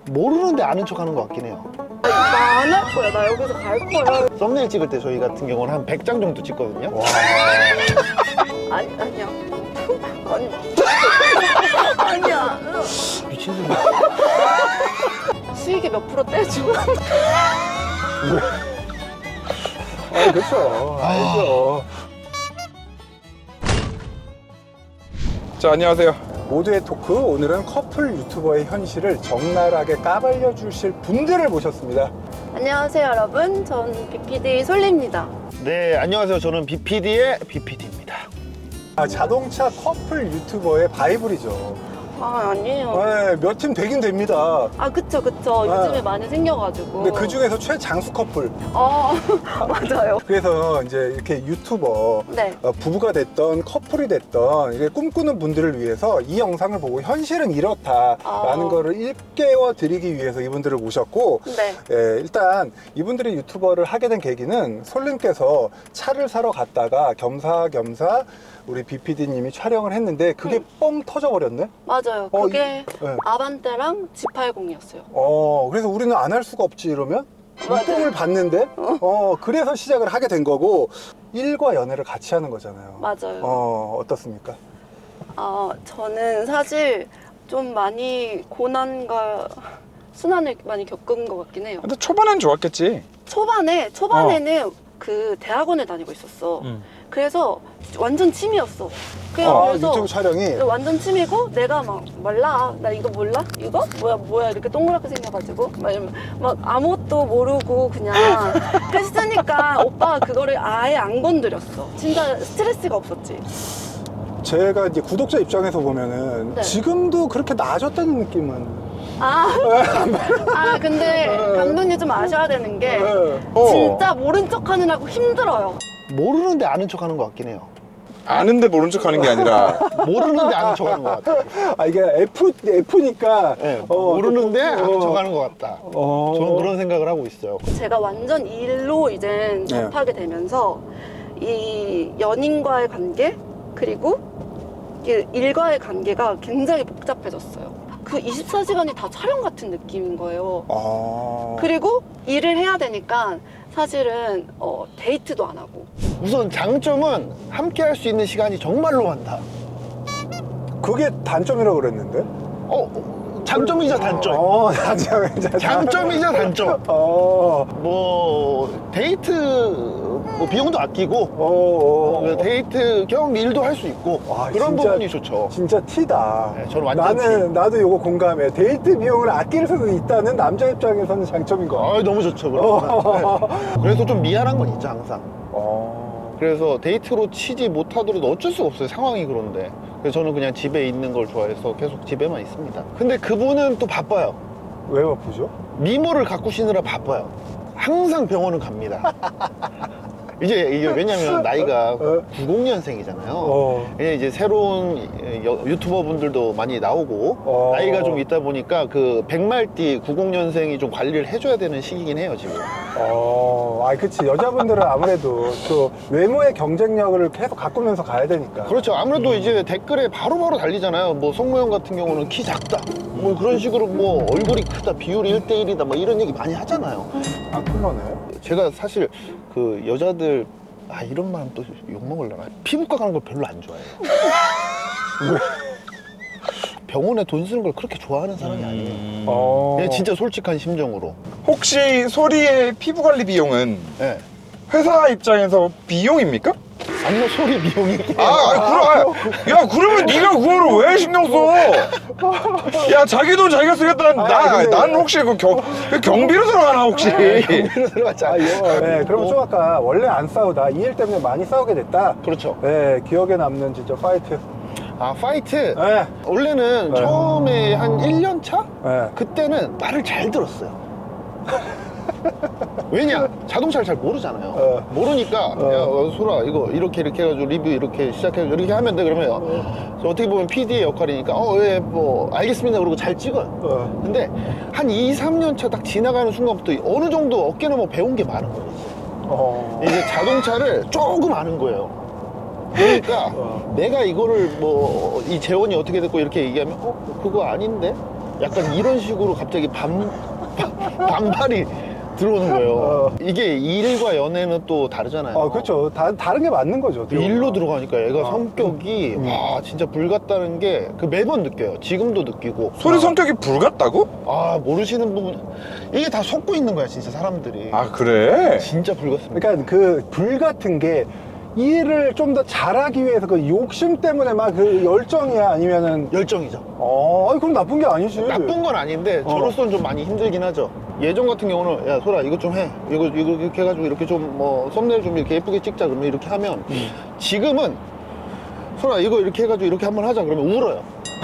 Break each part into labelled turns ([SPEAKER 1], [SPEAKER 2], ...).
[SPEAKER 1] 모르는데 아는 척 하는 것 같긴 해요.
[SPEAKER 2] 나 안 할 거야. 나 여기서 갈 거야.
[SPEAKER 1] 썸네일 찍을 때 저희 같은 경우는 한 100장 정도 찍거든요.
[SPEAKER 2] 아니야. 아니. 아니야.
[SPEAKER 1] 미친 소리.
[SPEAKER 2] 수익이 몇 프로 떼줘.
[SPEAKER 3] 그렇죠. 알죠.
[SPEAKER 4] 자, 안녕하세요.
[SPEAKER 3] 모두의 토크, 오늘은 커플 유튜버의 현실을 적나라하게 까발려 주실 분들을 모셨습니다.
[SPEAKER 2] 안녕하세요, 여러분. 전 BPD 솔리입니다.
[SPEAKER 1] 네, 안녕하세요. 저는 BPD의 BPD입니다.
[SPEAKER 3] 자동차 커플 유튜버의 바이블이죠.
[SPEAKER 2] 아니에요.
[SPEAKER 3] 네, 몇 팀 되긴 됩니다.
[SPEAKER 2] 그쵸. 요즘에 많이 생겨가지고.
[SPEAKER 3] 근데 그 중에서 최장수 커플.
[SPEAKER 2] 맞아요.
[SPEAKER 3] 그래서 이제 이렇게 유튜버,
[SPEAKER 2] 네.
[SPEAKER 3] 부부가 됐던 커플이 됐던 이게 꿈꾸는 분들을 위해서 이 영상을 보고 현실은 이렇다라는 거를 일깨워 드리기 위해서 이분들을 모셨고,
[SPEAKER 2] 네.
[SPEAKER 3] 일단 이분들이 유튜버를 하게 된 계기는 솔님께서 차를 사러 갔다가 겸사겸사 우리 BPD님이 촬영을 했는데 그게 뻥 터져버렸네?
[SPEAKER 2] 맞아요. 그게
[SPEAKER 3] 네.
[SPEAKER 2] 아반떼랑 G80이었어요.
[SPEAKER 3] 그래서 우리는 안 할 수가 없지 이러면?
[SPEAKER 2] 맞아요.
[SPEAKER 3] 뻥을 봤는데? 그래서 시작을 하게 된 거고, 일과 연애를 같이 하는 거잖아요.
[SPEAKER 2] 맞아요.
[SPEAKER 3] 어떻습니까?
[SPEAKER 2] 저는 사실 좀 많이 고난과 순환을 많이 겪은 것 같긴 해요.
[SPEAKER 4] 근데 초반엔 좋았겠지.
[SPEAKER 2] 초반에는 그 대학원을 다니고 있었어. 그래서 완전 취미였어. 그래서
[SPEAKER 3] 유튜브 촬영이?
[SPEAKER 2] 완전 취미고, 내가 막 몰라. 나 이거 몰라? 이거? 뭐야 이렇게 동그랗게 생겨가지고 막 아무것도 모르고 그냥 했으니까 오빠가 그거를 아예 안 건드렸어. 진짜 스트레스가 없었지.
[SPEAKER 3] 제가 이제 구독자 입장에서 보면은
[SPEAKER 2] 네.
[SPEAKER 3] 지금도 그렇게 나아졌다는 느낌은.
[SPEAKER 2] 근데 감독님 좀 아셔야 되는 게 진짜 모른 척 하느라고 힘들어요.
[SPEAKER 1] 모르는데 아는 척 하는 것 같긴 해요.
[SPEAKER 4] 아는데 모른 척 하는 게 아니라
[SPEAKER 1] 모르는데 아는 척 하는 것 같아요.
[SPEAKER 3] 이게 F니까.
[SPEAKER 1] 네, 모르는데 아는 척 하는 것 같다. 저는 그런 생각을 하고 있어요.
[SPEAKER 2] 제가 완전 일로 이제 접하게 되면서 이 연인과의 관계, 그리고 이 일과의 관계가 굉장히 복잡해졌어요. 그 24시간이 다 촬영 같은 느낌인 거예요. 그리고 일을 해야 되니까 사실은 데이트도 안 하고.
[SPEAKER 1] 우선 장점은 함께 할 수 있는 시간이 정말로 많다.
[SPEAKER 3] 그게 단점이라고 그랬는데?
[SPEAKER 1] 장점이자 단점.
[SPEAKER 3] 단점이자
[SPEAKER 1] 장점이자 단점. 뭐 데이트 뭐 비용도 아끼고 데이트 겸 일도 할 수 있고 그런
[SPEAKER 3] 진짜,
[SPEAKER 1] 부분이 좋죠.
[SPEAKER 3] 진짜 티다.
[SPEAKER 1] 네, 저는 완전
[SPEAKER 3] 나도 요거 공감해. 데이트 비용을 아낄 수도 있다는 남자 입장에서는 장점인 거 같아.
[SPEAKER 1] 너무 좋죠. 그러면. 네. 그래서 좀 미안한 건 있죠 항상. 그래서 데이트로 치지 못하더라도 어쩔 수가 없어요. 상황이 그런데. 그래서 저는 그냥 집에 있는 걸 좋아해서 계속 집에만 있습니다. 근데 그분은 또 바빠요.
[SPEAKER 3] 왜 바쁘죠?
[SPEAKER 1] 미모를 가꾸시느라 바빠요. 항상 병원은 갑니다. 이게 왜냐면 나이가 90년생이잖아요. 이제 새로운 유튜버 분들도 많이 나오고 나이가 좀 있다 보니까 그 백말띠 90년생이 좀 관리를 해줘야 되는 시기긴 해요 지금.
[SPEAKER 3] 그치. 여자분들은 아무래도 또 외모의 경쟁력을 계속 가꾸면서 가야 되니까.
[SPEAKER 1] 그렇죠. 아무래도 이제 댓글에 바로바로 달리잖아요. 뭐 성모형 같은 경우는 키 작다, 뭐 그런 식으로 뭐 얼굴이 크다, 비율이 1대1이다, 뭐 이런 얘기 많이 하잖아요.
[SPEAKER 3] 그러네.
[SPEAKER 1] 제가 사실 그 여자들 이런 말하면 또 욕먹으려나, 피부과 가는 걸 별로 안 좋아해요. 병원에 돈 쓰는 걸 그렇게 좋아하는 사람이 아니에요. 그냥 진짜 솔직한 심정으로.
[SPEAKER 4] 혹시 소리의 피부 관리 비용은
[SPEAKER 1] 네.
[SPEAKER 4] 회사 입장에서 비용입니까?
[SPEAKER 1] 아니요, 소리 비용이.
[SPEAKER 4] 그러면 네가 그거를 왜 신경 써? 야, 자기 돈 자기가 쓰겠다. 난 혹시 그 경비로 들어가나 혹시?
[SPEAKER 1] 경비로 들어갔지 않아요.
[SPEAKER 3] 네, 그러면 좀 아까 원래 안 싸우다 이 일 때문에 많이 싸우게 됐다.
[SPEAKER 1] 그렇죠.
[SPEAKER 3] 네, 기억에 남는 진짜 파이트.
[SPEAKER 1] 파이트.
[SPEAKER 3] 네.
[SPEAKER 1] 원래는 처음에 한 1년 차?
[SPEAKER 3] 네.
[SPEAKER 1] 그때는 말을 잘 들었어요. 왜냐? 자동차를 잘 모르잖아요. 모르니까 야 소라 이거 이렇게 해가지고 리뷰 이렇게 시작해서 이렇게 하면 돼. 그러면 저 어떻게 보면 PD의 역할이니까 뭐 알겠습니다 그러고 잘 찍어요. 근데 한 2, 3년 차 딱 지나가는 순간부터 어느 정도 어깨는 뭐 배운 게 많은 거예요. 이제 자동차를 조금 아는 거예요. 그러니까 내가 이거를 뭐 이 재원이 어떻게 됐고 이렇게 얘기하면 그거 아닌데? 약간 이런 식으로 갑자기 반발이 들어오는 거예요. 이게 일과 연애는 또 다르잖아요.
[SPEAKER 3] 그렇죠. 다른 게 맞는 거죠.
[SPEAKER 1] 일로 들어가니까 얘가
[SPEAKER 3] 아.
[SPEAKER 1] 성격이 와 진짜 불 같다는 게 그 매번 느껴요. 지금도 느끼고.
[SPEAKER 4] 소리 성격이 불 같다고?
[SPEAKER 1] 아 모르시는 부분 이게 다 속고 있는 거야 진짜 사람들이.
[SPEAKER 4] 아 그래?
[SPEAKER 1] 진짜 불 같습니다.
[SPEAKER 3] 그러니까 그 불 같은 게 일을 좀 더 잘하기 위해서 그 욕심 때문에 막 그 열정이야 아니면은
[SPEAKER 1] 열정이죠.
[SPEAKER 3] 아니, 그럼 나쁜 게 아니지.
[SPEAKER 1] 나쁜 건 아닌데 저로서는 좀 많이 힘들긴 하죠. 예전 같은 경우는 야 소라 이것 좀 해. 이거 이렇게 해가지고 이렇게 좀 뭐 썸네일 좀 이렇게 예쁘게 찍자 그러면 이렇게 하면 지금은 소라 이거 이렇게 해가지고 이렇게 한번 하자 그러면 울어요.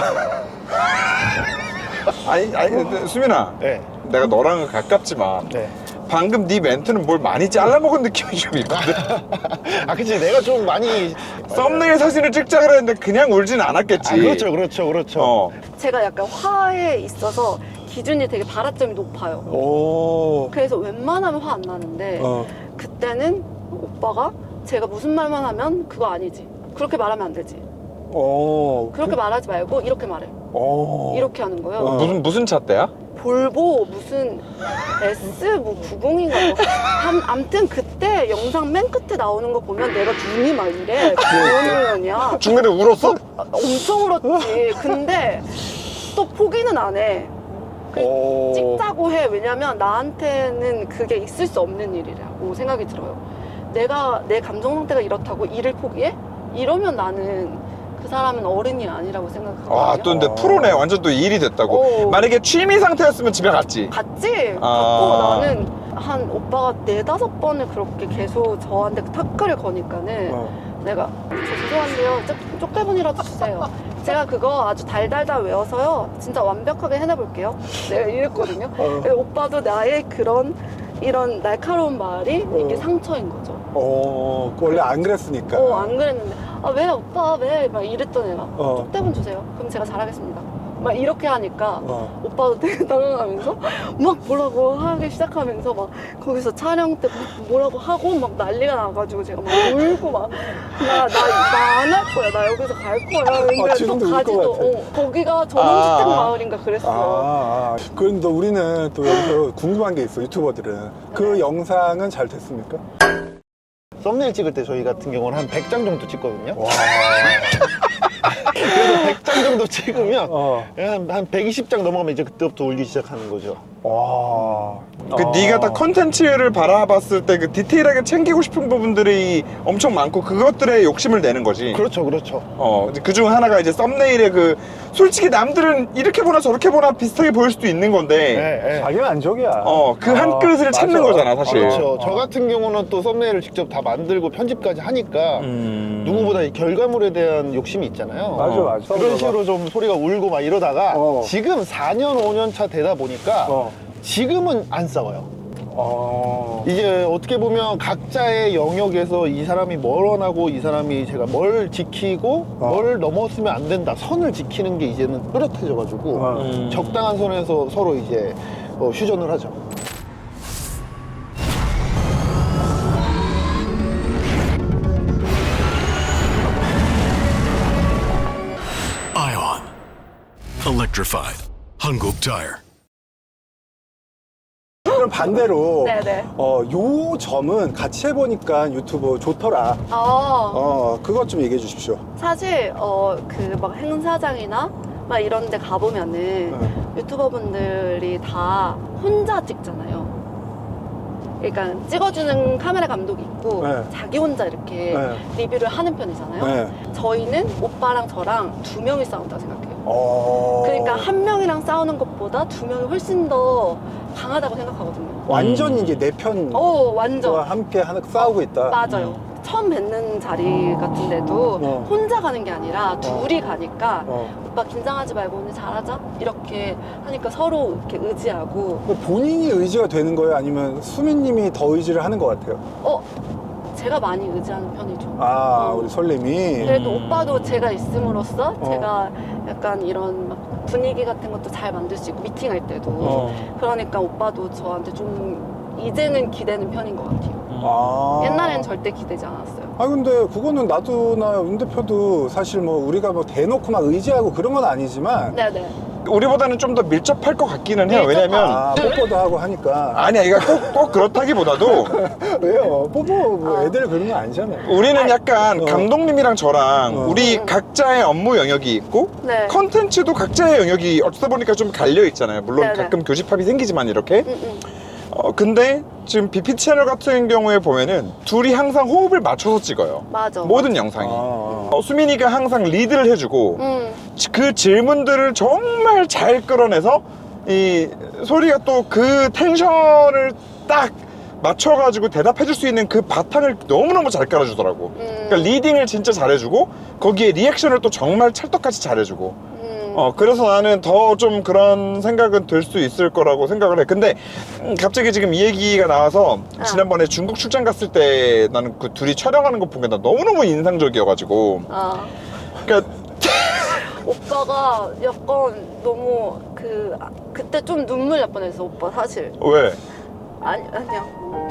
[SPEAKER 4] 아니 근데 수민아,
[SPEAKER 1] 네.
[SPEAKER 4] 내가 너랑은 가깝지만
[SPEAKER 1] 네.
[SPEAKER 4] 방금 네 멘트는 뭘 많이 잘라먹은 느낌이 좀 있거든.
[SPEAKER 1] 아 그치 내가 좀 많이
[SPEAKER 4] 썸네일 사진을 찍자 그랬는데 그냥 울진 않았겠지.
[SPEAKER 1] 아, 그렇죠.
[SPEAKER 4] 어.
[SPEAKER 2] 제가 약간 화에 있어서 기준이 되게 발화점이 높아요.
[SPEAKER 3] 오.
[SPEAKER 2] 그래서 웬만하면 화 안 나는데 그때는 오빠가 제가 무슨 말만 하면 그거 아니지. 그렇게 말하면 안 되지. 그렇게 말하지 말고 이렇게 말해. 이렇게 하는 거예요.
[SPEAKER 4] 무슨 차 때야?
[SPEAKER 2] 볼보 무슨 S 뭐 90인가 뭐. 암튼 그때 영상 맨 끝에 나오는 거 보면 내가 눈이 막 이래. 그런 년이야.
[SPEAKER 4] 중간에 울었어?
[SPEAKER 2] 엄청 울었지. 근데 또 포기는 안 해. 찍자고 해. 왜냐면 나한테는 그게 있을 수 없는 일이라고 생각이 들어요. 내가 내 감정 상태가 이렇다고 일을 포기해? 이러면 나는 그 사람은 어른이 아니라고 생각하거든요.
[SPEAKER 4] 와, 또 근데 프로네. 완전 또 일이 됐다고. 만약에 취미 상태였으면 집에 갔지.
[SPEAKER 2] 갔지?
[SPEAKER 4] 아.
[SPEAKER 2] 갔고 나는 한 오빠가 4-5번을 그렇게 계속 저한테 타크를 거니까는 내가 저 죄송한데요. 쪽대본이라도 주세요. 제가 그거 아주 달달달 외워서요. 진짜 완벽하게 해내볼게요. 내가 이랬거든요. 근데 오빠도 나의 이런 날카로운 말이 이게 상처인 거죠.
[SPEAKER 3] 원래 안 그랬으니까.
[SPEAKER 2] 안 그랬는데 아 왜 오빠 왜 막 이랬던 애가 쪽대본 주세요. 그럼 제가 잘하겠습니다. 막 이렇게 하니까 오빠도 되게 당황하면서 막 뭐라고 하기 시작하면서 막 거기서 촬영 때 뭐라고 하고 막 난리가 나가지고 제가 막 울고 막 나 안 할 거야. 나 여기서 갈 거야. 근데
[SPEAKER 3] 지금도
[SPEAKER 2] 또
[SPEAKER 3] 울것
[SPEAKER 2] 가지도
[SPEAKER 3] 같아.
[SPEAKER 2] 거기가 전원주택 마을인가 그랬어.
[SPEAKER 3] 그런데 우리는 또 여기서 궁금한 게 있어, 유튜버들은. 그 영상은 잘 됐습니까?
[SPEAKER 1] 썸네일 찍을 때 저희 같은 경우는 한 100장 정도 찍거든요.
[SPEAKER 3] 와.
[SPEAKER 1] 그래서 100장 정도 찍으면
[SPEAKER 3] 어.
[SPEAKER 1] 한 120장 넘어가면 이제 그때부터 울기 시작하는 거죠.
[SPEAKER 3] 와.
[SPEAKER 4] 그 네가 딱 컨텐츠를 바라봤을 때 그 디테일하게 챙기고 싶은 부분들이 엄청 많고 그것들에 욕심을 내는 거지.
[SPEAKER 1] 그렇죠.
[SPEAKER 4] 그중 하나가 이제 썸네일의 그 솔직히 남들은 이렇게 보나 저렇게 보나 비슷하게 보일 수도 있는 건데
[SPEAKER 1] 네.
[SPEAKER 3] 자기 만족이야.
[SPEAKER 4] 그 한 끗을 찾는
[SPEAKER 3] 맞아.
[SPEAKER 4] 거잖아 사실.
[SPEAKER 1] 그렇죠. 저 같은 경우는 또 썸네일을 직접 다 만들고 편집까지 하니까 누구보다 이 결과물에 대한 욕심이 있잖아요.
[SPEAKER 3] 맞아.
[SPEAKER 1] 그런 식으로 좀 소리가 울고 막 이러다가
[SPEAKER 3] 어.
[SPEAKER 1] 지금 4년, 5년 차 되다 보니까 지금은 안 싸워요. 이제 어떻게 보면 각자의 영역에서 이 사람이 뭘 원하고 이 사람이 제가 뭘 지키고 뭘 넘었으면 안 된다 선을 지키는 게 이제는 뚜렷해져가지고 적당한 선에서 서로 이제 휴전을 하죠.
[SPEAKER 5] Ion. Electrified. Hankook Tire.
[SPEAKER 3] 그럼 반대로
[SPEAKER 2] 네네.
[SPEAKER 3] 요 점은 같이 해보니까 유튜브 좋더라. 그것 좀 얘기해 주십시오.
[SPEAKER 2] 사실 그 막 행사장이나 막 이런 데 가보면은 유튜버분들이 다 혼자 찍잖아요. 그러니까 찍어주는 카메라 감독이 있고 자기 혼자 이렇게 리뷰를 하는 편이잖아요. 저희는 오빠랑 저랑 2명이 싸운다고 생각해요. 그러니까 1명이랑 싸우는 것보다 2명이 훨씬 더 강하다고 생각하거든요.
[SPEAKER 3] 완전 이제 내 편.
[SPEAKER 2] 완전.
[SPEAKER 3] 함께 싸우고 있다.
[SPEAKER 2] 맞아요. 처음 뵙는 자리 같은데도 혼자 가는 게 아니라 둘이 가니까 오빠 긴장하지 말고 오늘 잘하자 이렇게 하니까 서로 이렇게 의지하고.
[SPEAKER 3] 본인이 의지가 되는 거예요? 아니면 수민님이 더 의지를 하는 것 같아요?
[SPEAKER 2] 제가 많이 의지하는 편이죠.
[SPEAKER 3] 우리 설렘이.
[SPEAKER 2] 그래도 오빠도 제가 있음으로써 제가 약간 이런 막 분위기 같은 것도 잘 만들 수 있고 미팅할 때도 그러니까 오빠도 저한테 좀 이제는 기대는 편인 것 같아요. 옛날엔 절대 기대지 않았어요.
[SPEAKER 3] 근데 그거는 나도나 윤 대표도 사실 뭐 우리가 뭐 대놓고 막 의지하고 그런 건 아니지만
[SPEAKER 2] 네네.
[SPEAKER 4] 우리보다는 좀 더 밀접할 것 같기는 해요. 왜냐면
[SPEAKER 3] 아, 뽀뽀도 하고 하니까.
[SPEAKER 4] 아니야, 이거 꼭 그렇다기보다도
[SPEAKER 3] 왜요? 뽀뽀 뭐 애들 그런 거 아니잖아요.
[SPEAKER 4] 우리는 약간 감독님이랑 저랑 우리 각자의 업무 영역이 있고
[SPEAKER 2] 네.
[SPEAKER 4] 컨텐츠도 각자의 영역이 어쩌다 보니까 좀 갈려 있잖아요. 물론
[SPEAKER 2] 네네.
[SPEAKER 4] 가끔 교집합이 생기지만 이렇게.
[SPEAKER 2] 응.
[SPEAKER 4] 근데 지금 BP 채널 같은 경우에 보면은 둘이 항상 호흡을 맞춰서 찍어요.
[SPEAKER 2] 맞아.
[SPEAKER 4] 모든 영상이.
[SPEAKER 3] 아.
[SPEAKER 4] 수민이가 항상 리드를 해주고
[SPEAKER 2] 응.
[SPEAKER 4] 그 질문들을 정말 잘 끌어내서 이 소리가 또 그 텐션을 딱 맞춰가지고 대답해줄 수 있는 그 바탕을 너무너무 잘 깔아주더라고. 그러니까 리딩을 진짜 잘해주고 거기에 리액션을 또 정말 찰떡같이 잘해주고. 그래서 나는 더 좀 그런 생각은 들 수 있을 거라고 생각을 해. 근데 갑자기 지금 이 얘기가 나와서 지난번에 중국 출장 갔을 때 나는 그 둘이 촬영하는 거 본 게 나 너무너무 인상적이어가지고. 그러니까
[SPEAKER 2] 오빠가 약간 너무 그때 좀 눈물 날 뻔했어, 오빠 사실.
[SPEAKER 4] 왜?
[SPEAKER 2] 아니야.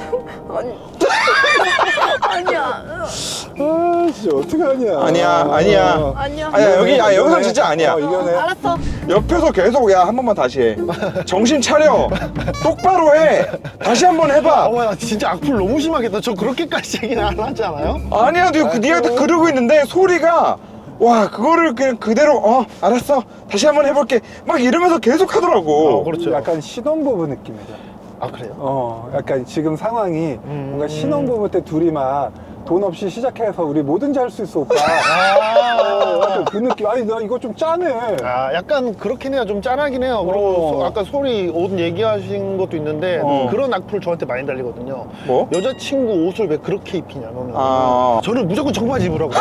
[SPEAKER 2] 아니야.
[SPEAKER 3] 아, 진짜 어떡하냐.
[SPEAKER 4] 아니야 여기서 진짜 아니야.
[SPEAKER 3] 이겨내.
[SPEAKER 2] 알았어.
[SPEAKER 4] 옆에서 계속 야 한 번만 다시 해. 정신 차려. 똑바로 해. 다시 한 번 해봐.
[SPEAKER 1] 나 진짜 악플 너무 심하겠다. 저 그렇게까지 얘기는 안 하지 않아요?
[SPEAKER 4] 아니야, 네가 그러고 있는데 소리가 와 그거를 그냥 그대로 알았어 다시 한 번 해볼게 막 이러면서 계속 하더라고.
[SPEAKER 1] 그렇죠.
[SPEAKER 3] 약간 신혼부부 느낌이죠.
[SPEAKER 1] 아, 그래요?
[SPEAKER 3] 약간 지금 상황이 뭔가 신혼부부 때 둘이 막 돈 없이 시작해서 우리 뭐든지 할 수 있어, 오빠. 약간 그 느낌. 아니, 나 이거 좀 짜네.
[SPEAKER 1] 약간 그렇긴 해요. 좀 짠하긴 해요. 그리고 아까 소리 옷 얘기하신 것도 있는데 그런 악플 저한테 많이 달리거든요.
[SPEAKER 4] 뭐?
[SPEAKER 1] 여자친구 옷을 왜 그렇게 입히냐 너는.
[SPEAKER 4] 아.
[SPEAKER 1] 저는 무조건 청바지 입으라고.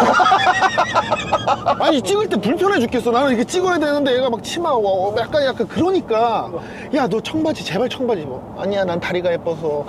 [SPEAKER 1] 아니 찍을 때 불편해 죽겠어. 나는 이렇게 찍어야 되는데 얘가 막 치마 약간 그러니까 야 너 청바지 제발 청바지 입어. 아니야 난 다리가 예뻐서.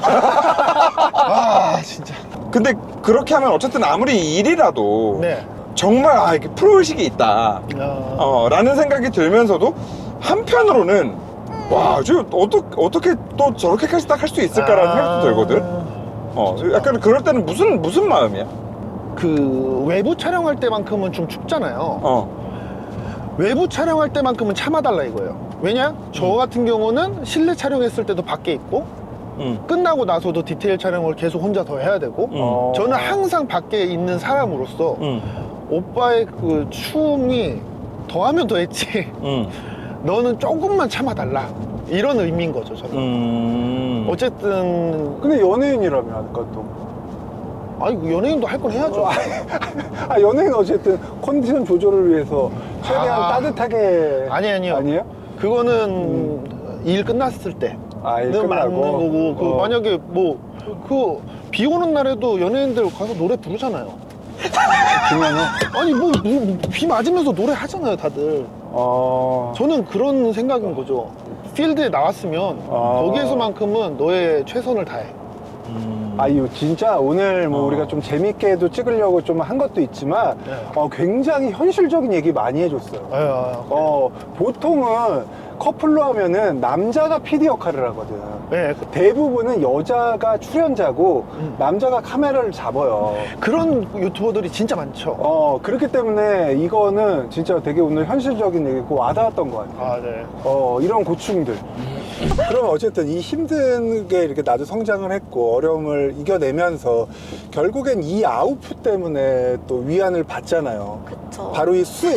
[SPEAKER 1] 진짜.
[SPEAKER 4] 근데 그렇게 하면 어쨌든 아무리 일이라도
[SPEAKER 1] 네.
[SPEAKER 4] 정말 이게 프로의식이 있다 라는 생각이 들면서도 한편으로는 와, 저 어떻게 또 저렇게까지 딱 할 수 있을까라는 생각도 들거든. 약간 그럴 때는 무슨 마음이야?
[SPEAKER 1] 그 외부 촬영할 때만큼은 좀 춥잖아요. 외부 촬영할 때만큼은 참아달라 이거예요. 왜냐? 저 같은 경우는 실내 촬영했을 때도 밖에 있고 끝나고 나서도 디테일 촬영을 계속 혼자 더 해야 되고 저는 항상 밖에 있는 사람으로서 오빠의 그 추움이 더하면 더했지 너는 조금만 참아달라 이런 의미인 거죠 저는. 어쨌든
[SPEAKER 3] 근데 연예인이라며, 아까 또.
[SPEAKER 1] 아니 연예인도 할 건 해야죠.
[SPEAKER 3] 연예인 어쨌든 컨디션 조절을 위해서 최대한 따뜻하게.
[SPEAKER 1] 아니에요.
[SPEAKER 3] 아니에요?
[SPEAKER 1] 그거는 일 끝났을 때.
[SPEAKER 3] 일
[SPEAKER 1] 는 맞는
[SPEAKER 3] 끝나고.
[SPEAKER 1] 거고 만약에 비 오는 날에도 연예인들 가서 노래 부르잖아요.
[SPEAKER 3] 그러면은.
[SPEAKER 1] 아니 비 맞으면서 노래 하잖아요 다들. 저는 그런 생각인 거죠. 필드에 나왔으면 거기에서만큼은 너의 최선을 다해.
[SPEAKER 3] 이거 진짜 오늘 뭐 우리가 좀 재밌게도 찍으려고 좀 한 것도 있지만 굉장히 현실적인 얘기 많이 해줬어요. 보통은 커플로 하면은 남자가 PD 역할을 하거든.
[SPEAKER 1] 네.
[SPEAKER 3] 대부분은 여자가 출연자고 남자가 카메라를 잡아요.
[SPEAKER 1] 그런 유튜버들이 진짜 많죠.
[SPEAKER 3] 그렇기 때문에 이거는 진짜 되게 오늘 현실적인 얘기고 와닿았던 것 같아요.
[SPEAKER 1] 네.
[SPEAKER 3] 이런 고충들. 그러면 어쨌든 이 힘든 게 이렇게 나도 성장을 했고 어려움을 이겨내면서 결국엔 이 아웃풋 때문에 또 위안을 받잖아요.
[SPEAKER 2] 그쵸.
[SPEAKER 3] 바로 이 수익.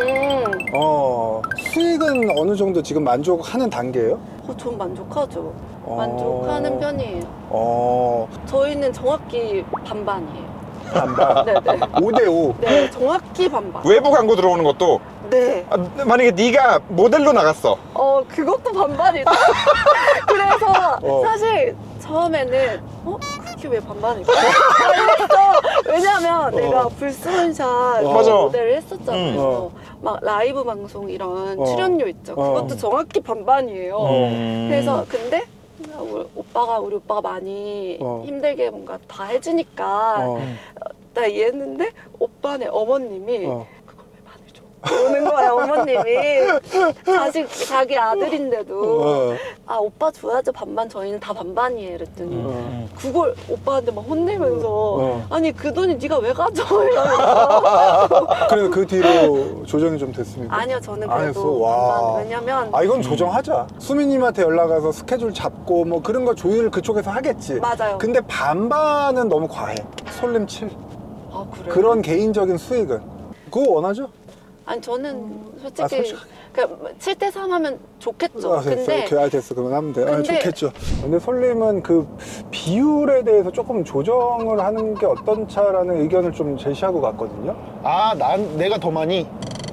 [SPEAKER 3] 수익은 어느 정도 지금 만족하는 단계예요?
[SPEAKER 2] 전 만족하죠. 만족하는 편이에요. 저희는 정확히 반반이에요.
[SPEAKER 3] 반반.
[SPEAKER 2] 네네.
[SPEAKER 3] 5대5.
[SPEAKER 2] 네, 정확히 반반.
[SPEAKER 4] 외부 광고 들어오는 것도
[SPEAKER 2] 네.
[SPEAKER 4] 만약에 네가 모델로 나갔어.
[SPEAKER 2] 그것도 반반이죠. 그래서 사실 처음에는 그게 왜 반반일까? 이랬어. 왜냐면 내가 불스원샷
[SPEAKER 4] 맞아.
[SPEAKER 2] 모델을 했었잖아요. 막 라이브 방송 이런 출연료 있죠. 그것도 정확히 반반이에요. 그래서 근데 우리 오빠가 많이 힘들게 뭔가 다 해주니까 나 이해했는데 오빠네 어머님이 그걸 왜 반을 줘? 오는 거야 어머님이. 자기 아들인데도 아 오빠 줘야죠 반반 저희는 다 반반이에요 이랬더니 그걸 오빠한테 막 혼내면서 아니 그 돈이 네가 왜 가져와 이러면서.
[SPEAKER 3] 그래서 그 뒤로 조정이 좀 됐습니까?
[SPEAKER 2] 아니요 저는
[SPEAKER 3] 안 했어?
[SPEAKER 2] 그래도
[SPEAKER 3] 와.
[SPEAKER 2] 반반. 왜냐면
[SPEAKER 3] 아 이건 조정하자. 수민님한테 연락 와서 스케줄 잡고 뭐 그런 거 조율 그쪽에서 하겠지.
[SPEAKER 2] 맞아요.
[SPEAKER 3] 근데 반반은 너무 과해. 솔림 7.
[SPEAKER 2] 아 그래요?
[SPEAKER 3] 그런 개인적인 수익은 그거 원하죠?
[SPEAKER 2] 아니 저는 솔직히
[SPEAKER 3] 아, 솔직히.
[SPEAKER 2] 그러니까 7대3 하면 좋겠죠.
[SPEAKER 3] 아, 됐어.
[SPEAKER 2] 근데
[SPEAKER 3] 오케이, 됐어. 그러면 하면 돼. 아,
[SPEAKER 2] 근데-
[SPEAKER 3] 좋겠죠. 근데 솔림은 그 비율에 대해서 조금 조정을 하는 게 어떤차라는 의견을 좀 제시하고 갔거든요.
[SPEAKER 1] 아, 내가 더 많이?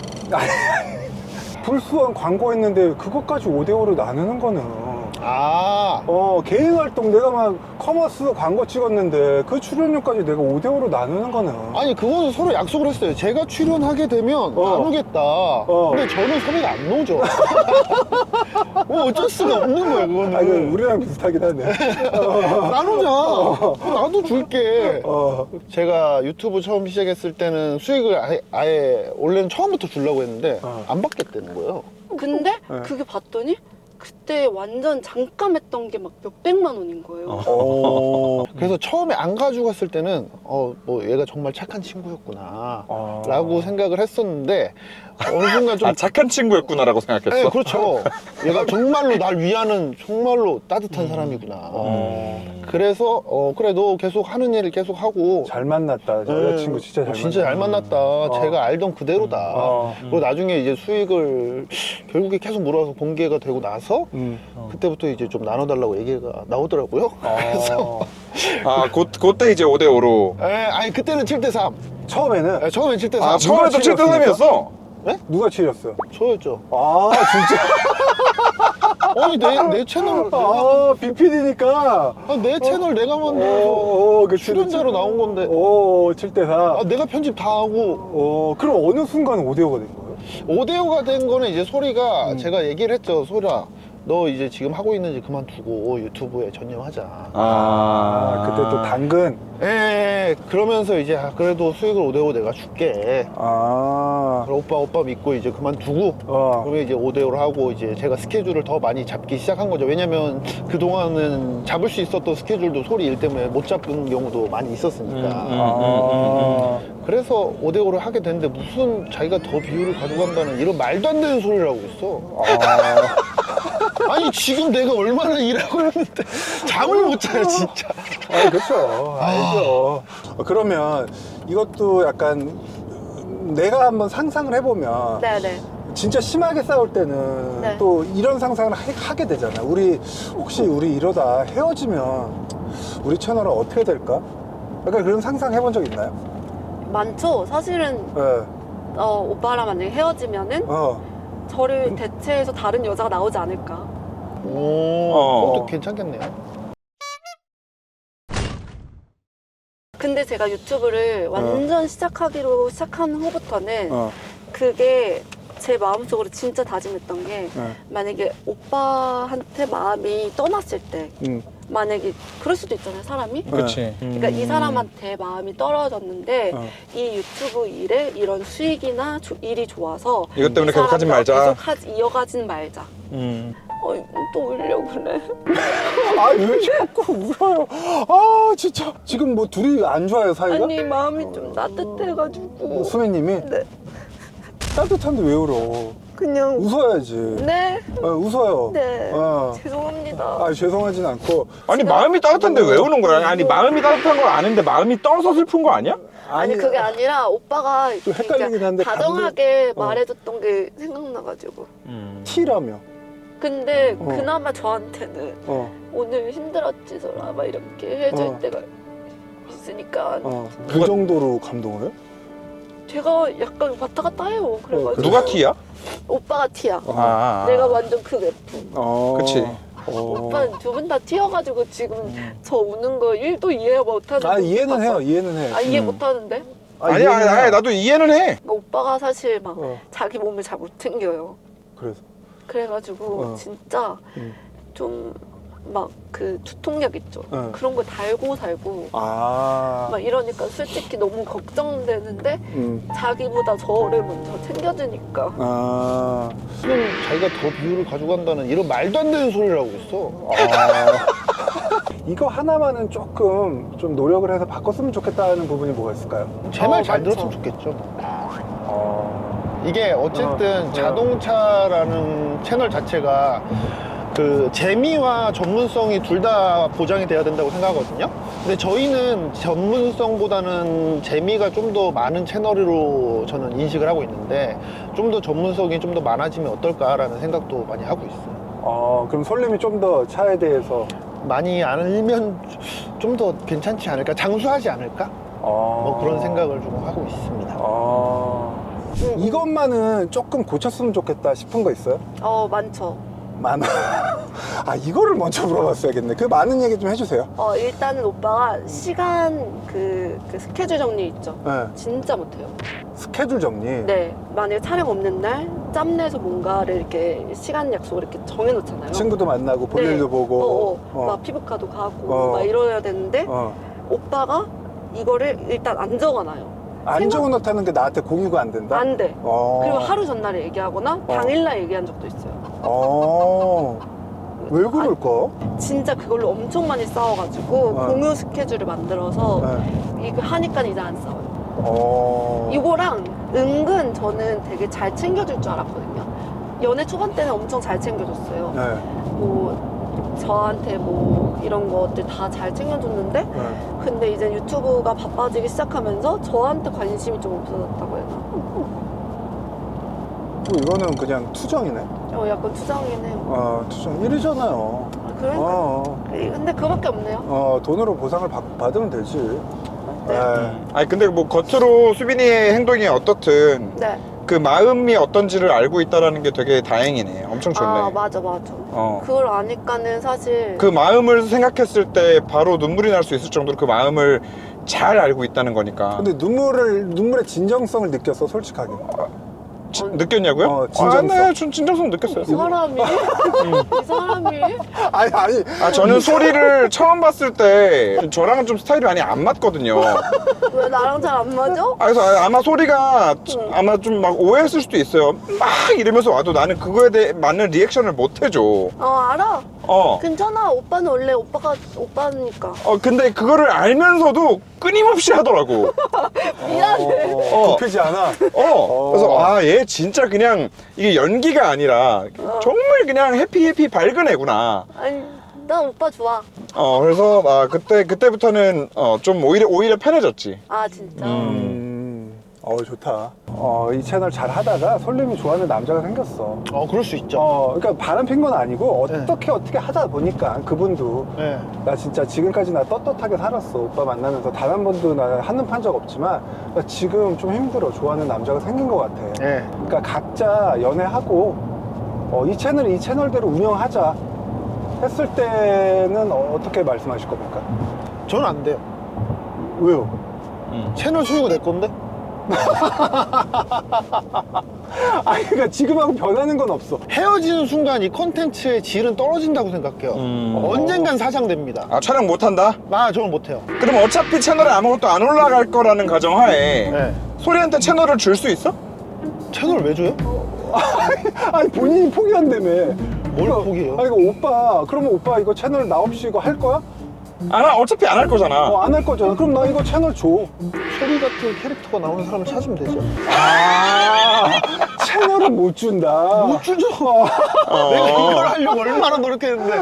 [SPEAKER 3] 불수원 광고했는데 그것까지 5대5로 나누는 거는
[SPEAKER 1] 아,
[SPEAKER 3] 개인 활동 내가 막 커머스 광고 찍었는데 그 출연료까지 내가 5대5로 나누는 거는
[SPEAKER 1] 아니 그거는 서로 약속을 했어요. 제가 출연하게 되면 나누겠다. 근데 저는 섭외가 안 나오죠. 뭐 어쩔 수가 없는 거야 그거는.
[SPEAKER 3] 아, 이거 우리랑 비슷하긴 하네.
[SPEAKER 1] 나누자. 나도 줄게. 제가 유튜브 처음 시작했을 때는 수익을 아예 원래는 처음부터 주려고 했는데 안 받겠다는 거예요.
[SPEAKER 2] 근데 그게 봤더니 그때 완전 잠깐 했던 게 막 몇백만 원인 거예요.
[SPEAKER 1] 그래서 처음에 안 가지고 갔을 때는 뭐 얘가 정말 착한 친구였구나 라고 생각을 했었는데 어느 순간 좀
[SPEAKER 4] 아, 착한 친구였구나라고 생각했어.
[SPEAKER 1] 네, 그렇죠. 얘가 정말로 날 위하는 정말로 따뜻한 사람이구나. 그래서 그래 너 계속 하는 일을 계속 하고
[SPEAKER 3] 잘 만났다. 여자친구 진짜 잘 만났다.
[SPEAKER 1] 진짜 잘 만났다. 제가 알던 그대로다. 그리고 나중에 이제 수익을 결국에 계속 몰아서 공개가 되고 나서 그때부터 이제 좀 나눠달라고 얘기가 나오더라고요. 그래서
[SPEAKER 4] 아, 그때 이제 5대5로.
[SPEAKER 1] 아니 그때는 7대3.
[SPEAKER 3] 처음에는
[SPEAKER 1] 처음엔 7대3.
[SPEAKER 4] 아, 처음에도
[SPEAKER 3] 누가
[SPEAKER 4] 7대3이었어?
[SPEAKER 3] 누가 치렸어요?
[SPEAKER 1] 저였죠.
[SPEAKER 3] 아 진짜?
[SPEAKER 1] 아니 내 채널
[SPEAKER 3] BPD니까
[SPEAKER 1] 내 채널 내가 만들어서
[SPEAKER 3] 그치,
[SPEAKER 1] 출연자로 나온 건데
[SPEAKER 3] 7대4
[SPEAKER 1] 내가 편집 다 하고
[SPEAKER 3] 그럼 어느 순간 5대5가 된 거예요?
[SPEAKER 1] 5대5가 된 거는 이제 소리가 제가 얘기를 했죠. 소리야 너 이제 지금 하고 있는 일 그만두고 유튜브에 전념하자.
[SPEAKER 3] 그때 또 당근
[SPEAKER 1] 그러면서 이제 그래도 수익을 5대5 내가 줄게. 그럼 오빠 믿고 이제 그만두고 그러면 이제 5대5로 하고 이제 제가 스케줄을 더 많이 잡기 시작한 거죠. 왜냐면 그동안은 잡을 수 있었던 스케줄도 소리 일 때문에 못 잡은 경우도 많이 있었으니까. 그래서 5대5를 하게 됐는데 무슨 자기가 더 비율을 가져간다는 이런 말도 안 되는 소리를 하고 있어. 아니 지금 내가 얼마나 일하고 있는데 잠을 못 자요 진짜.
[SPEAKER 3] 그렇죠. 알죠. 그러면 이것도 약간 내가 한번 상상을 해보면
[SPEAKER 2] 네네.
[SPEAKER 3] 진짜 심하게 싸울 때는
[SPEAKER 2] 네.
[SPEAKER 3] 또 이런 상상을 하게 되잖아. 혹시 우리 이러다 헤어지면 우리 채널은 어떻게 될까? 약간 그런 상상 해본 적 있나요?
[SPEAKER 2] 많죠. 사실은
[SPEAKER 3] 네.
[SPEAKER 2] 오빠랑 만약에 헤어지면은 저를 대체해서 다른 여자가 나오지 않을까.
[SPEAKER 1] 그것도 괜찮겠네요.
[SPEAKER 2] 근데 제가 유튜브를 완전 시작한 후부터는 그게 제 마음속으로 진짜 다짐했던 게 만약에 오빠한테 마음이 떠났을 때 만약에 그럴 수도 있잖아요 사람이.
[SPEAKER 4] 그치.
[SPEAKER 2] 그러니까 이 사람한테 마음이 떨어졌는데 이 유튜브 일에 이런 수익이나 일이 좋아서
[SPEAKER 4] 이것 때문에
[SPEAKER 2] 이
[SPEAKER 4] 계속 하진
[SPEAKER 2] 사람과
[SPEAKER 4] 말자.
[SPEAKER 2] 계속 이어가진 말자. 또 울려고 그래.
[SPEAKER 3] 왜 자꾸 울어요? 진짜 지금 뭐 둘이 안 좋아요 사이가?
[SPEAKER 2] 아니 마음이 좀 따뜻해가지고.
[SPEAKER 3] 수민님이?
[SPEAKER 2] 네.
[SPEAKER 3] 따뜻한데 왜 울어?
[SPEAKER 2] 그냥
[SPEAKER 3] 웃어야지.
[SPEAKER 2] 네.
[SPEAKER 3] 웃어요.
[SPEAKER 2] 네. 죄송합니다.
[SPEAKER 3] 죄송하진 않고.
[SPEAKER 4] 아니, 마음이 따뜻한데 왜 우는 거야? 아니, 마음이 따뜻한 걸 아는데 마음이 떠서 슬픈 거 아니야?
[SPEAKER 2] 아니 그게 아니라 오빠가
[SPEAKER 3] 좀 헷갈리긴 한데
[SPEAKER 2] 다정하게 말해줬던 게 생각나가지고.
[SPEAKER 3] T라며.
[SPEAKER 2] 근데 그나마 저한테는 오늘 힘들었지 소라 막 이렇게 해줄 때가 있으니까
[SPEAKER 3] 그 정도로 감동을 해?
[SPEAKER 2] 제가 약간 왔다 갔다 해요. 그래가지고
[SPEAKER 4] 누가 T야?
[SPEAKER 2] 오빠가 T야.
[SPEAKER 4] 아.
[SPEAKER 2] 내가 완전 극F.
[SPEAKER 4] 그치.
[SPEAKER 2] 오빠는 두 분 다 T여가지고 지금 저 우는 거 1도 이해 못하는.
[SPEAKER 3] 이해는 해요. 이해는 해.
[SPEAKER 2] 이해 못하는데?
[SPEAKER 4] 아니, 나도 이해는 해.
[SPEAKER 2] 그러니까 오빠가 사실 막 자기 몸을 잘 못 챙겨요.
[SPEAKER 3] 그래서
[SPEAKER 2] 그래가지고 진짜 좀 막 그 두통약 있죠.
[SPEAKER 3] 네.
[SPEAKER 2] 그런 거 달고 살고
[SPEAKER 3] 아.
[SPEAKER 2] 막 이러니까 솔직히 너무 걱정되는데 자기보다 저를 먼저 챙겨주니까.
[SPEAKER 3] 아.
[SPEAKER 1] 지금 자기가 더 비율을 가져간다는 이런 말도 안 되는 소리를 하고 있어.
[SPEAKER 3] 이거 하나만은 조금 좀 노력을 해서 바꿨으면 좋겠다는 부분이 뭐가 있을까요?
[SPEAKER 1] 제 말 잘
[SPEAKER 2] 많죠.
[SPEAKER 1] 들었으면 좋겠죠.
[SPEAKER 3] 어.
[SPEAKER 1] 이게 어쨌든 자동차라는 채널 자체가 그 재미와 전문성이 둘 다 보장이 돼야 된다고 생각하거든요. 근데 저희는 전문성보다는 재미가 좀 더 많은 채널으로 저는 인식을 하고 있는데 좀 더 전문성이 좀 더 많아지면 어떨까라는 생각도 많이 하고 있어요.
[SPEAKER 3] 그럼 솔님이 좀 더 차에 대해서
[SPEAKER 1] 많이 알면 좀 더 괜찮지 않을까? 장수하지 않을까? 뭐 그런 생각을 좀 하고 있습니다.
[SPEAKER 3] 이것만은 조금 고쳤으면 좋겠다 싶은 거 있어요?
[SPEAKER 2] 많죠.
[SPEAKER 3] 많아. 아, 이거를 먼저 물어봤어야겠네. 그 많은 얘기 좀 해주세요.
[SPEAKER 2] 일단은 오빠가 시간 그 스케줄 정리 있죠.
[SPEAKER 3] 네.
[SPEAKER 2] 진짜 못해요.
[SPEAKER 3] 스케줄 정리.
[SPEAKER 2] 네, 만약에 촬영 없는 날 짬내서 뭔가를 이렇게 시간 약속을 이렇게 정해놓잖아요.
[SPEAKER 3] 친구도 만나고 볼
[SPEAKER 2] 네.
[SPEAKER 3] 일도 보고.
[SPEAKER 2] 막 피부과도 가고 막 이러야 되는데 오빠가 이거를 일단 안 적어놔요.
[SPEAKER 3] 안 적어놓다는 게 나한테 공유가 안 된다?
[SPEAKER 2] 안 돼.
[SPEAKER 3] 어.
[SPEAKER 2] 그리고 하루 전날에 얘기하거나 당일날 얘기한 적도 있어요.
[SPEAKER 3] 왜 그럴까?
[SPEAKER 2] 진짜 그걸로 엄청 많이 싸워가지고 공유 스케줄을 만들어서 이거 하니까 이제 안 싸워요. 이거랑 은근 저는 되게 잘 챙겨줄 줄 알았거든요. 연애 초반 때는 엄청 잘 챙겨줬어요.
[SPEAKER 3] 네.
[SPEAKER 2] 뭐 저한테 뭐 이런 것들 다 잘 챙겨줬는데 근데 이제 유튜브가 바빠지기 시작하면서 저한테 관심이 좀 없어졌다고 해야 되나?
[SPEAKER 3] 이거는 그냥 투정이네.
[SPEAKER 2] 약간 투정이긴 해요.
[SPEAKER 3] 투정. 일이잖아요.
[SPEAKER 2] 그러니까 근데 그거밖에 없네요.
[SPEAKER 3] 돈으로 보상을 받으면 되지.
[SPEAKER 2] 네.
[SPEAKER 4] 아니 근데 뭐 겉으로 수빈이의 행동이 어떻든
[SPEAKER 2] 네.
[SPEAKER 4] 그 마음이 어떤지를 알고 있다라는 게 되게 다행이네. 엄청 좋네.
[SPEAKER 2] 맞아. 그걸 아니까는 사실
[SPEAKER 4] 그 마음을 생각했을 때 바로 눈물이 날 수 있을 정도로 그 마음을 잘 알고 있다는 거니까.
[SPEAKER 3] 근데 눈물의 진정성을 느꼈어, 솔직하게.
[SPEAKER 4] 느꼈냐고요?
[SPEAKER 3] 진정성.
[SPEAKER 4] 네, 전 진정성 느꼈어요.
[SPEAKER 2] 이 사람이 이 사람이
[SPEAKER 3] 아니.
[SPEAKER 4] 저는 소리를 처음 봤을 때 저랑은 좀 스타일이 많이 안 맞거든요.
[SPEAKER 2] 왜 나랑 잘 안 맞아?
[SPEAKER 4] 그래서 아마 소리가 아마 좀 막 오해했을 수도 있어요. 막 이러면서 와도 나는 그거에 대해 맞는 리액션을 못 해줘.
[SPEAKER 2] 알아.
[SPEAKER 4] 어.
[SPEAKER 2] 괜찮아. 오빠는 원래 오빠니까.
[SPEAKER 4] 근데 그거를 알면서도 끊임없이 하더라고.
[SPEAKER 2] 미안해.
[SPEAKER 3] 굽히지 않아.
[SPEAKER 4] 그래서 얘 진짜 그냥 이게 연기가 아니라 정말 그냥 해피 밝은 애구나.
[SPEAKER 2] 아니, 난 오빠 좋아.
[SPEAKER 4] 그래서 그때부터는 좀 오히려 편해졌지.
[SPEAKER 2] 진짜.
[SPEAKER 3] 좋다. 이 채널 잘 하다가 솔님이 좋아하는 남자가 생겼어.
[SPEAKER 1] 그럴 수 있죠.
[SPEAKER 3] 그러니까 바람 핀 건 아니고 어떻게 하다 보니까 그분도
[SPEAKER 1] 네.
[SPEAKER 3] 나 진짜 지금까지 나 떳떳하게 살았어. 오빠 만나면서 단 한 번도 나 한눈 판 적 없지만 나 지금 좀 힘들어. 좋아하는 남자가 생긴 것 같아.
[SPEAKER 1] 네.
[SPEAKER 3] 그러니까 각자 연애하고 이 채널대로 운영하자 했을 때는 어떻게 말씀하실 겁니까?
[SPEAKER 1] 저는 안 돼요.
[SPEAKER 3] 왜요?
[SPEAKER 1] 채널 소유가 내 건데?
[SPEAKER 3] 그러니까 지금하고 변하는 건 없어.
[SPEAKER 1] 헤어지는 순간 이 콘텐츠의 질은 떨어진다고 생각해요. 언젠간 사장됩니다.
[SPEAKER 4] 촬영 못한다?
[SPEAKER 1] 저는 못해요.
[SPEAKER 4] 그럼 어차피 채널에 아무것도 안 올라갈 거라는 가정하에
[SPEAKER 1] 네.
[SPEAKER 4] 소리한테 채널을 줄 수 있어?
[SPEAKER 1] 채널 왜 줘요?
[SPEAKER 3] 본인이 포기한다며.
[SPEAKER 1] 뭘 포기해요?
[SPEAKER 3] 이거 오빠, 그러면 오빠 이거 채널 나 없이 이거 할 거야?
[SPEAKER 4] 어차피 안 할 거잖아.
[SPEAKER 3] 안 할 거잖아. 그럼 나 이거 채널 줘.
[SPEAKER 1] 소리 같은 캐릭터가 나오는 사람을 찾으면 되죠.
[SPEAKER 3] 채널은 못 준다.
[SPEAKER 1] 못 주죠. 내가 이걸 하려고 얼마나 노력했는데.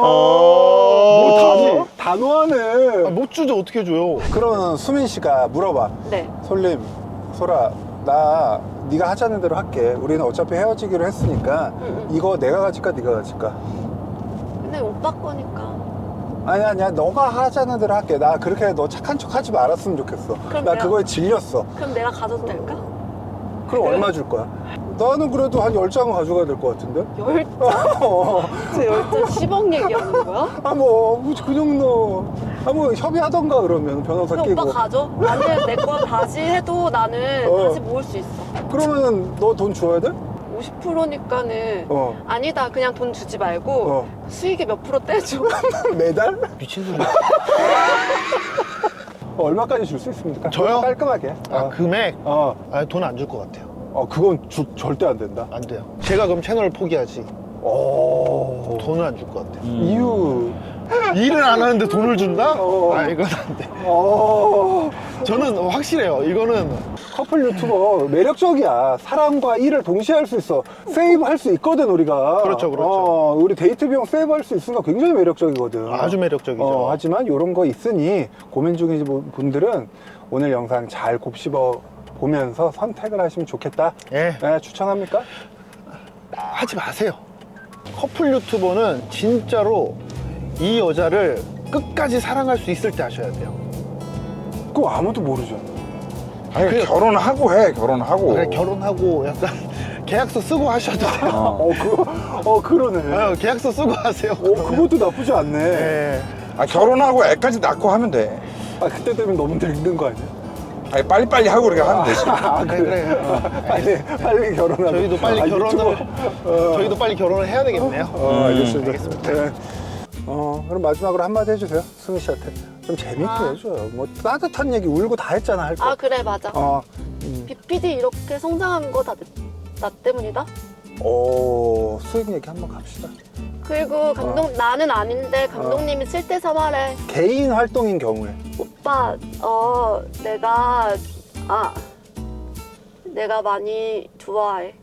[SPEAKER 3] 단호하네.
[SPEAKER 1] 못 주죠. 어떻게 줘요?
[SPEAKER 3] 그러면 수민 씨가 물어봐.
[SPEAKER 2] 네.
[SPEAKER 3] 솔님, 소라, 나 네가 하자는 대로 할게. 우리는 어차피 헤어지기로 했으니까 이거 내가 가질까 네가 가질까?
[SPEAKER 2] 근데 오빠 거니까.
[SPEAKER 3] 아니야 너가 하자는 대로 할게. 나 그렇게 너 착한 척 하지 말았으면 좋겠어.
[SPEAKER 2] 그럼
[SPEAKER 3] 나
[SPEAKER 2] 내가-
[SPEAKER 3] 그거에 질렸어.
[SPEAKER 2] 그럼 내가 가져도 될까?
[SPEAKER 3] 그럼 얼마 줄 거야? 나는 그래도 한 10장은 가져가야 될 것 같은데?
[SPEAKER 2] 10장? 저 10장 10억 얘기하는 거야?
[SPEAKER 3] 그 정도. 협의하던가 그러면 변호사
[SPEAKER 2] 그럼
[SPEAKER 3] 끼고.
[SPEAKER 2] 오빠 가져? 나는 내 거 다시 해도 나는
[SPEAKER 3] 어.
[SPEAKER 2] 다시 모을 수 있어.
[SPEAKER 3] 그러면은 너 돈 줘야 돼?
[SPEAKER 2] 50%니까는 아니다. 그냥 돈 주지 말고 수익의 몇 프로 떼줘.
[SPEAKER 3] 매달?
[SPEAKER 1] 미친 소리야.
[SPEAKER 3] 얼마까지 줄 수 있습니까?
[SPEAKER 1] 저요?
[SPEAKER 3] 깔끔하게.
[SPEAKER 1] 금액? 돈 안 줄 것 같아요.
[SPEAKER 3] 그건 절대 안 된다.
[SPEAKER 1] 안 돼요. 제가 그럼 채널을 포기하지. 돈을 안 줄 것 같아요.
[SPEAKER 3] 이유.
[SPEAKER 1] 일을 안 하는데 돈을 준다? 이건 안 돼. 저는 확실해요. 이거는
[SPEAKER 3] 커플 유튜버 매력적이야. 사랑과 일을 동시에 할 수 있어. 세이브 할 수 있거든, 우리가.
[SPEAKER 1] 그렇죠, 그렇죠.
[SPEAKER 3] 우리 데이트 비용 세이브 할 수 있으니까 굉장히 매력적이거든.
[SPEAKER 1] 아주 매력적이죠.
[SPEAKER 3] 하지만 이런 거 있으니 고민 중인 분들은 오늘 영상 잘 곱씹어 보면서 선택을 하시면 좋겠다.
[SPEAKER 1] 예.
[SPEAKER 3] 추천합니까?
[SPEAKER 1] 하지 마세요. 커플 유튜버는 진짜로 이 여자를 끝까지 사랑할 수 있을 때 하셔야 돼요.
[SPEAKER 3] 그거 아무도 모르죠.
[SPEAKER 4] 아니 결혼하고 해. 결혼하고.
[SPEAKER 1] 그래, 결혼하고 약간 계약서 쓰고 하셔도 돼요.
[SPEAKER 3] 그러네.
[SPEAKER 1] 계약서 쓰고 하세요.
[SPEAKER 3] 그것도 나쁘지 않네.
[SPEAKER 1] 예.
[SPEAKER 4] 결혼하고 애까지 낳고 하면 돼.
[SPEAKER 3] 그때 되면 너무 늙는 거 아니야?
[SPEAKER 4] 아니 빨리빨리 하고 그렇게 하면 되지.
[SPEAKER 1] 그래.
[SPEAKER 3] 빨리 결혼하고.
[SPEAKER 1] 저희도 빨리 저희도 빨리 결혼을 해야 되겠네요.
[SPEAKER 3] 알겠습니다. 네. 그럼 마지막으로 한마디 해주세요. 승희 씨한테. 좀 재밌게 해줘요. 뭐 따뜻한 얘기 울고 다 했잖아, 할 거.
[SPEAKER 2] 그래, 맞아. BPD 이렇게 성장한 거 다 나 때문이다?
[SPEAKER 3] 수익 얘기 한번 갑시다.
[SPEAKER 2] 그리고 나는 아닌데 감독님이 7대3 하래.
[SPEAKER 3] 개인 활동인 경우에.
[SPEAKER 2] 오빠, 내가 많이 좋아해.